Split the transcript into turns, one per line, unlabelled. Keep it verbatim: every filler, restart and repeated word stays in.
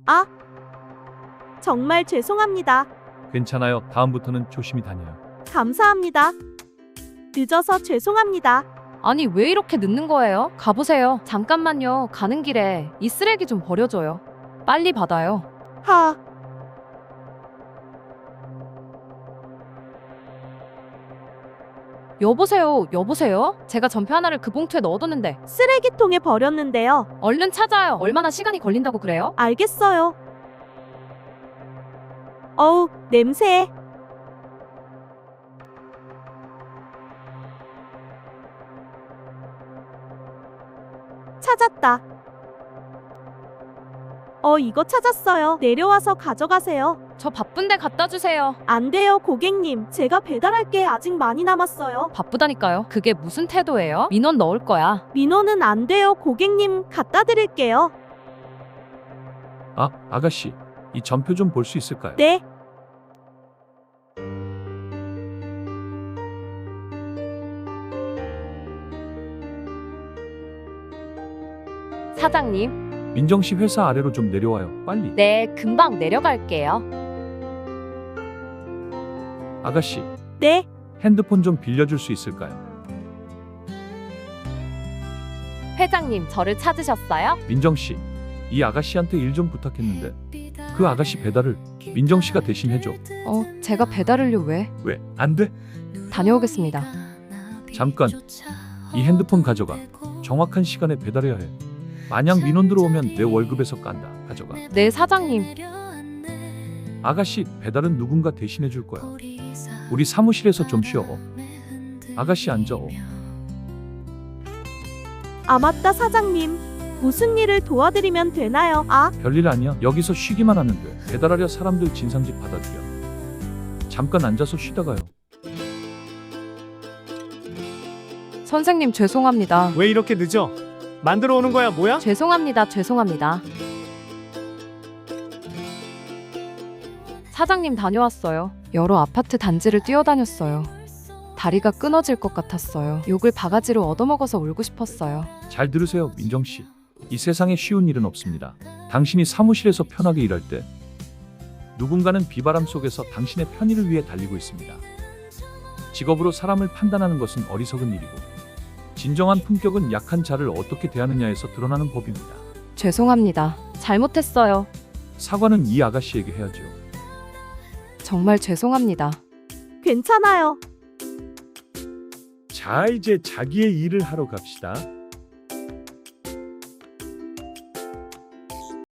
아, 정말 죄송합니다.
괜찮아요. 다음부터는 조심히 다녀요.
감사합니다. 늦어서 죄송합니다.
아니 왜 이렇게 늦는 거예요? 가보세요. 잠깐만요. 가는 길에 이 쓰레기 좀 버려줘요. 빨리 받아요.
하,
여보세요. 여보세요? 제가 전표 하나를 그 봉투에 넣어뒀는데
쓰레기통에 버렸는데요.
얼른 찾아요. 얼마나 시간이 걸린다고 그래요?
알겠어요. 어우, 냄새. 찾았다. 어, 이거 찾았어요. 내려와서 가져가세요.
저 바쁜데 갖다 주세요.
안 돼요, 고객님. 제가 배달할 게 아직 많이 남았어요.
바쁘다니까요. 그게 무슨 태도예요? 민원 넣을 거야.
민호는 안 돼요, 고객님. 갖다 드릴게요.
아, 아가씨. 이 전표 좀 볼 수 있을까요?
네.
사장님.
민정 씨 회사 아래로 좀 내려와요. 빨리.
네, 금방 내려갈게요.
아가씨,
네.
핸드폰 좀 빌려줄 수 있을까요?
회장님, 저를 찾으셨어요?
민정 씨, 이 아가씨한테 일 좀 부탁했는데 그 아가씨 배달을 민정 씨가 대신 해줘.
어, 제가 배달을요 왜?
왜? 안 돼?
다녀오겠습니다.
잠깐. 이 핸드폰 가져가. 정확한 시간에 배달해야 해. 만약 민원 들어오면 내 월급에서 깐다. 가져가.
네, 사장님.
아가씨, 배달은 누군가 대신해 줄 거야. 우리 사무실에서 좀 쉬어. 아가씨 앉아.
아, 맞다, 사장님. 무슨 일을 도와드리면 되나요? 아,
별일 아니야. 여기서 쉬기만 하면 돼. 배달하려 사람들 진상집 받아들여. 잠깐 앉아서 쉬다가요.
선생님, 죄송합니다.
왜 이렇게 늦어? 만들어 오는 거야 뭐야?
죄송합니다. 죄송합니다. 사장님 다녀왔어요. 여러 아파트 단지를 뛰어다녔어요. 다리가 끊어질 것 같았어요. 욕을 바가지로 얻어먹어서 울고 싶었어요.
잘 들으세요, 민정 씨. 이 세상에 쉬운 일은 없습니다. 당신이 사무실에서 편하게 일할 때 누군가는 비바람 속에서 당신의 편의를 위해 달리고 있습니다. 직업으로 사람을 판단하는 것은 어리석은 일이고 진정한 품격은 약한 자를 어떻게 대하느냐에서 드러나는 법입니다.
죄송합니다. 잘못했어요.
사과는 이 아가씨에게 해야죠.
정말 죄송합니다.
괜찮아요.
자, 이제 자기의 일을 하러 갑시다.